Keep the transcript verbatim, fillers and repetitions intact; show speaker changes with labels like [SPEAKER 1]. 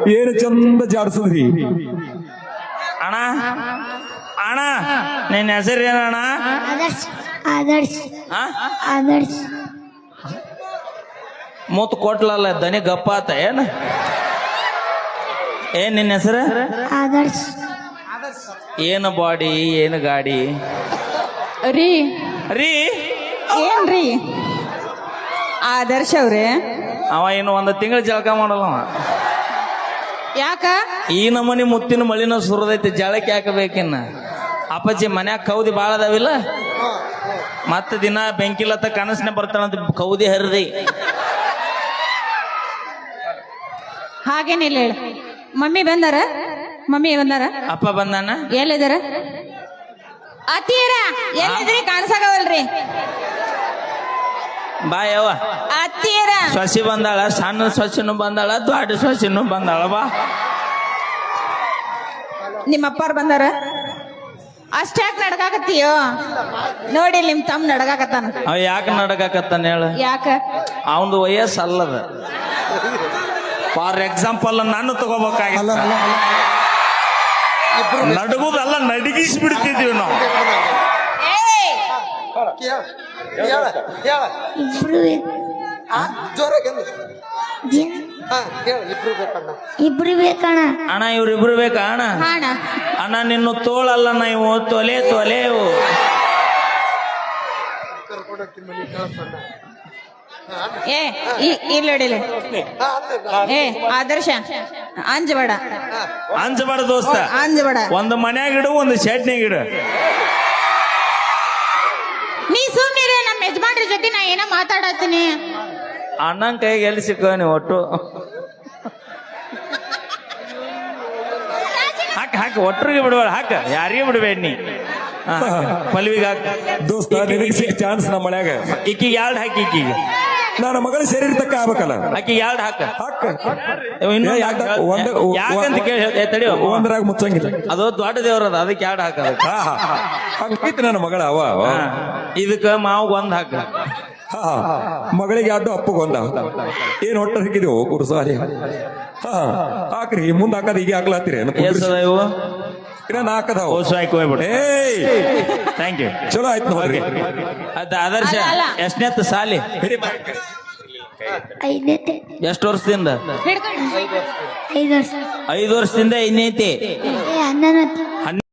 [SPEAKER 1] ಏನು ಚಂದ ಜಾಡ್ಸದ್ರಿ
[SPEAKER 2] ಅಣ್ಣ ಅಣ್ಣ ನಿನ್ನ ಹೆಸರು ಏನಣ್ಣ?
[SPEAKER 3] ಆದರ್ಶ್ ಆದರ್ಶ್
[SPEAKER 2] ಆ?
[SPEAKER 3] ಆದರ್ಶ್
[SPEAKER 2] ಮೂತ್ ಕೊಟ್ಲಲ್ಲ ದನಿ ಗಪ್ಪ ಆತ ಏನ? ಏನ್ ನಿನ್ನ ಹೆಸರು?
[SPEAKER 3] ಆದರ್ಶ್
[SPEAKER 2] ಏನು ಬಾಡಿ ಏನು ಗಾಡಿ
[SPEAKER 4] ರೀ
[SPEAKER 2] ರೀ
[SPEAKER 4] ಏನ್ರಿ ಆದರ್ಶ ಅವ್ರೆ?
[SPEAKER 2] ಅವ ಇನ್ನು ಒಂದು ತಿಂಗಳು ಜಳಕ ಮಾಡಲ್ಲ ಅವ.
[SPEAKER 4] ಯಾಕ
[SPEAKER 2] ಈ ನಮೂನಿ ಮುತ್ತಿನ ಮಳಿನ ಸುರದೈತಿ, ಜಳಕ್ಕೆ ಹಾಕಬೇಕಿನ್ನ. ಅಪ್ಪಾಜಿ ಮನ್ಯಾಗ ಕೌದಿ ಭಾಳ ಅದಾವಿಲ್ಲ, ಮತ್ತೆ ದಿನ ಬೆಂಕಿಲತ್ತ ಕನಸನೆ ಬರ್ತಾನಂತ ಕೌದಿ ಹರಿದಿ.
[SPEAKER 4] ಹಾಗೇನಿಲ್ಲ ಹೇಳ. ಮಮ್ಮಿ ಬಂದಾರ? ಮಮ್ಮಿ ಬಂದಾರ?
[SPEAKER 2] ಅಪ್ಪ ಬಂದಾನ?
[SPEAKER 4] ಎಲ್ಲಿದಾರ? ಅತ್ತೀರ ಎಲ್ಲಿದ್ರಿ? ಕಾಣಿಸಾಗವಲ್ರಿ.
[SPEAKER 2] ಬಾ ಯವ್ವ.
[SPEAKER 4] ಅತ್ತೀರ
[SPEAKER 2] ಸೊಸಿ ಬಂದಾಳ, ಸಣ್ಣ ಸೊಸಿನೂ ಬಂದಾಳ, ದೊಡ್ಡ ಸೊಸಿನೂ ಬಂದಾಳ. ಬಾ.
[SPEAKER 4] ನಿಮ್ಮ ಅಪ್ಪಾರ್ ಬಂದಾರ? ಅಷ್ಟ್ಯಾಕ್ ನಡ್ಕಾಕತ್ತೀಯೋ? ನೋಡಿ ನಿಮ್ ತಮ್ಮ ನಡ್ಕಾಕತ್ತಾನ.
[SPEAKER 2] ಅವ ಯಾಕೆ ನಡಕಾಕತ್ತಾನ ಹೇಳ?
[SPEAKER 4] ಯಾಕ?
[SPEAKER 2] ಅವನದು ವಯಸ್ಸು ಅಲ್ಲದ. ಫಾರ್ ಎಕ್ಸಾಂಪಲ್ ನಾನು ತಗೋಬೇಕಾಗಿಲ್ಲ, ನಡಗುದಲ್ಲ ನಡಗಿಸಿ ಬಿಡ್ತಿದೀವಿ ನಾವು.
[SPEAKER 4] ಏಯ್!
[SPEAKER 3] ಇಬ್ರು ಇಬ್ರು ಬೇಕಣ್ಣ.
[SPEAKER 2] ಅಣ್ಣ ಇವ್ರಿಬ್ರು ಬೇಕಾ ಅಣ್ಣ?
[SPEAKER 4] ಹಾಣ
[SPEAKER 2] ಅಣ್ಣ ನಿನ್ನ ತೋಳಲ್ಲ ನಾವು ತೊಲೆ ತೊಲೆವು.
[SPEAKER 4] ಏ ಇಲ್ಲಡಿಲ್ಲ. ಏ ಆದರ್ಶ ಅಂಜಬೇಡ,
[SPEAKER 2] ಅಂಜಬಾರ ದೋಸ್ತ.
[SPEAKER 4] ಅಂಜಬೇಡ.
[SPEAKER 2] ಒಂದು ಮನ್ಯಾಗ ಇಡು, ಒಂದು ಶೆಡ್ನ್ಯಾಗ ಇಡು.
[SPEAKER 4] ನೀ ಸುಮ್ಮನಿರ. ನಮ್ಮ ಯಜಮಾನ್ರ ಜೊತೆ ನಾ ಏನೋ ಮಾತಾಡತ್ತೀನಿ.
[SPEAKER 2] ಅಣ್ಣನ ಕೈಗೆ ಎಲ್ಲಿ ಸಿಕ್ಕ ನೀವು ಒಟ್ಟು? ಹಾಕ ಹಾಕ, ಒಟ್ಟರಿಗೆ ಬಿಡಬೇಡ, ಹಾಕ, ಯಾರಿಗೆ ಬಿಡಬೇಡ ನೀ. ಪಲ್ವಿಗೆ ಹಾಕ
[SPEAKER 1] ದೋಸ್ತ, ನಿನಗೆ ಸಿಕ್ಕ ಚಾನ್ಸ್ ನಮ್ಮ ಮನ್ಯಾಗ.
[SPEAKER 2] ಈಕಿಗೆ ಎರಡು ಹಾಕಿ, ಈಕಿಗೆ
[SPEAKER 1] ನನ್ನ ಮಗಳ ಸೇರಿರ್ತಕ್ಕ ಆಗ್ಬೇಕಲ್ಲ.
[SPEAKER 2] ಆಕಿಗೆ ಎರಡು ಹಾಕ.
[SPEAKER 1] ಹಾಕ
[SPEAKER 2] ಇನ್ನು
[SPEAKER 1] ಏ, ಯಾಕ? ಒಂದ್-
[SPEAKER 2] ಯಾಕಂತ ಕೇಳಿ ಏ, ತಡಿಯೋ,
[SPEAKER 1] ಒಂದ್ರಾಗ ಮುಚ್ಚಂಗಿಲ್ಲ.
[SPEAKER 2] ಅದು ದೊಡ್ಡ ದೇವ್ರದ, ಅದಕ್ಕೆ ಎರಡು ಹಾಕದ.
[SPEAKER 1] ಹಾ ಹಾ ಹಂಗೈತಿ ನನ್ನ ಮಗಳ. ಅವ ಅವ.
[SPEAKER 2] ಇದಕ್ಕ ಮಾವು ಒಂದ್ ಹಾಕ.
[SPEAKER 1] ಹಾ ಮಗಳಿಗೆ ಅಡ್ಡು ಅಪ್ಪಗೊಂದ. ಏನ್ ಹೊಟ್ಟ ಹಾಕಿದೀವು ಕುರುಸಾರಿ. ಹಾ ಹಾಕ್ರಿ, ಮುಂದ್ ಹಾಕದ ಈಗ ಹಾಕ್ಲಾತಿರಿ.
[SPEAKER 2] ಎಷ್ಟದ ಇವು?
[SPEAKER 1] ಇನ್ನ ಹಾಕದಾವ.
[SPEAKER 2] ಓಸು ಹಾಕಿ ಹೋಗ್ಬಿಡು.
[SPEAKER 1] ಏಯ್
[SPEAKER 2] ಥ್ಯಾಂಕ್ ಯು.
[SPEAKER 1] ಚಲೋ ಆಯ್ತು ನೋಡ್ರಿ.
[SPEAKER 2] ಅದ ಆದರ್ಶ
[SPEAKER 4] ಅಲ್ಲ.
[SPEAKER 2] ಎಷ್ಟನೇತ್ ಸಾಲಿ?
[SPEAKER 3] ಐದೈತೆ.
[SPEAKER 2] ಎಷ್ಟು ವರ್ಷದಿಂದ?
[SPEAKER 4] ಹಿಡ್ಕೊಂಡು
[SPEAKER 3] ಐದು ವರ್ಷ.
[SPEAKER 2] ಐದು ವರ್ಷದಿಂದ ಐದನೇತಿ.
[SPEAKER 3] ಏ ಹನ್ನೊಂದು.